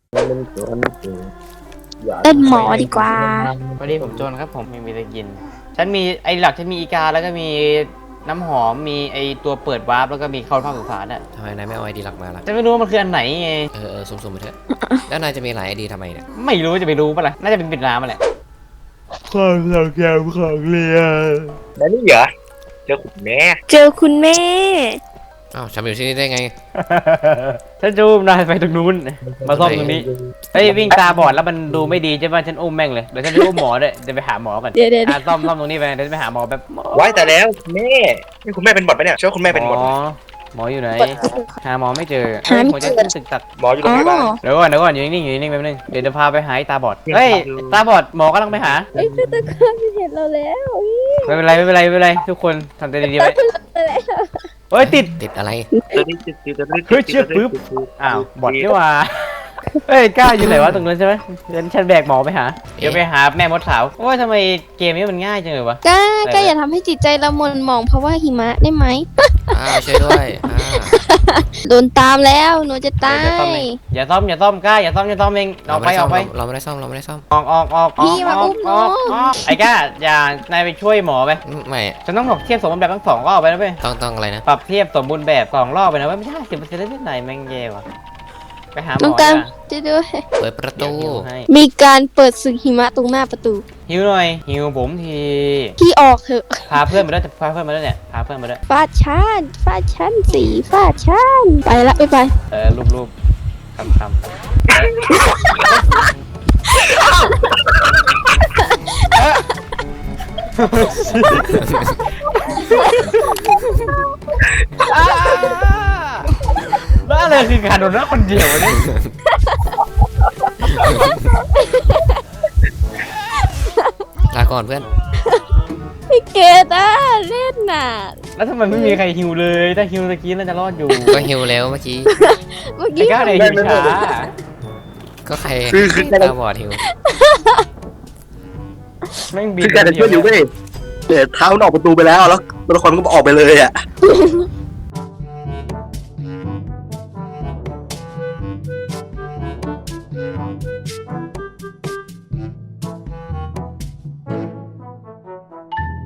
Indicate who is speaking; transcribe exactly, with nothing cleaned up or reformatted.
Speaker 1: เต้นหมอดีกว่า
Speaker 2: พอดีผมจนครับผมไม่มีอะไรกินฉันมีไอ้หลักฉันมีอีกาแล้วก็มีน้ำหอมมีไอ้ตัวเปิดวาร์ปแล้วก็มีเข้าภาคสุสานอ่ะ
Speaker 3: ทำไมนายไม่เอาไอดีหลักมาล่ะ
Speaker 2: ฉันไม่รู้ว่ามันคืออันไหนไง
Speaker 3: เออเออสุ่มๆไปเถอะ แล้วนายจะมีหลายไอดีทำไมเนี่ย
Speaker 2: ไม่รู้จะไปรู้ปะล่ะน่าจะเป็นปิดน้ำมาแหละ
Speaker 4: ความทรงจำของเรียนนั่นนี่เหรอเจอคุณแม่
Speaker 1: เจอคุณแม่
Speaker 3: อ้าวฉันอยู่ที่นี่ได้ไง
Speaker 2: ฉันจูมนายไปตรงนู้นมาซ่อมตรงนี้เฮ้ยวิ่งตาบอดแล้วมันดูไม่ดีใช่ป่ะฉันอุ้มแม่งเลยเดี๋ยวฉันจะอุ้มหมอด้วยจะไปหาหมอก่อน
Speaker 1: เดี๋ยวเดี๋ยว
Speaker 2: อ่ะซ่อมซ่อมตรงนี้ไปเดี๋ยวจะไปหาหมอแบบหมอ
Speaker 4: ไว้แต่แล้วแม่นี่คุณแม่เป็นบอดปะเนี่ยเชื่อว่าคุณแม่เป็นบอด
Speaker 2: หมอหมออยู่ไหนหาหมอไม่เจอ
Speaker 1: หาไม่
Speaker 2: หัวใจ
Speaker 1: เจอ
Speaker 2: ขึ้นตึกตัก
Speaker 4: หมออยู่โร
Speaker 1: อ๋
Speaker 4: ง
Speaker 1: อ
Speaker 4: พยาบาล
Speaker 2: เดี๋ยวก่อนเดี๋ยวก่อนอยู่นิ่งๆอยู่นิ่งๆแป๊บนึงเดี๋ยวจะพาไปหาไอ้ตาบอดเฮ้ยตาบอดหมอกำลังไปหา
Speaker 1: เอ้ยคือตะการเห็นเราแล้ว
Speaker 2: ไม่เป็นไรไม่เป็นไรไม่เป็นไรทุกคนทำใจดีๆไว้เฮ้ยติด
Speaker 3: ติดอะไร
Speaker 2: เฮ้ยเชือกปึ๊บ อ้าวบอดนี่ว่าเฮ้ยกล้าอยู่ไหนวะตรงนั้นใช่ไหมเดี๋ยวฉันแบกหมอไปหาเดี๋ยวไปหาแม่มดสาวว่าทำไมเกมนี้มันง่ายจังเลยวะ
Speaker 1: ก้าก้าอย่าทำให้จิตใจเราหม่นหมองเพราะว่าหิมะได้ไหม
Speaker 3: อ้าวช่วยด้วยอ่า
Speaker 1: โดนตามแล้วหนูจะตา
Speaker 2: เดี๋ยวจะซ่อม
Speaker 1: ย
Speaker 2: เองอย่าซ่อมอย่าซ่อมกล้าอย่าซ่อมอย่าซ่อมเองออกไปออกไป
Speaker 3: เราไม่ได้ซ่อมเราไม่ได้ซ่อม
Speaker 2: ออกออกออกออกออกออกออกไอ้ก้าอย่านายไปช่วยหมอไป
Speaker 3: ไม่
Speaker 2: ฉันต้องบอกเทียบสมบูรณ์แบบทั้งสองรอบไปนะเว้ย
Speaker 3: ต้องต้องอะไรนะ
Speaker 2: ปรับเทียบสมบูรณ์แบบสองรอบไปนะเว้ยไม่ใช่สิบเปอร์เซ็นต์ได้ที่ไหนแม่งแย่ว่ะไปหาหม
Speaker 1: น้อง
Speaker 2: อ
Speaker 1: การ
Speaker 2: ดีกว่า
Speaker 1: จะด้วย
Speaker 3: เปิดประตู
Speaker 2: เดี๋ยวหิวให้
Speaker 1: มีการเปิดศึกหิมะตรงหน้าประตู
Speaker 2: หิวหน่อยหิวผมที
Speaker 1: พี่ออกเถอะ
Speaker 2: พาเพื่อนมาด้วยพาเพื่อนมาด้วยเนี่ยพาเพื่อนมาด้วย
Speaker 1: ฟาดชันฟาดชันสีฟาดชันไปละไปไป
Speaker 2: เออรูปรูปคำคำบ้าเลยคือการโดนรักคนเดียวนี่
Speaker 3: ลาก่อนเพื่อน
Speaker 1: พี่เกดอ่ะเล่นน่ะ
Speaker 2: แล้วทำไมไม่มีใครฮิวเลยถ้าฮิวตะกี้น่าจะรอดอยู่
Speaker 3: ก็หิวแล้วเมื่อกี้
Speaker 1: เมื่อ
Speaker 2: ไอ้
Speaker 1: กี้
Speaker 2: ก้าวในฮิวช้า
Speaker 3: ก็ใคร
Speaker 4: คือคือการ
Speaker 3: ตาบอดหิว
Speaker 2: แม่งบิน
Speaker 4: คือการจะช่วยอยู่เว้ยแต่เท้ามันออกประตูไปแล้วแล้วตัวละครมันก็ออกไปเลยอ่ะ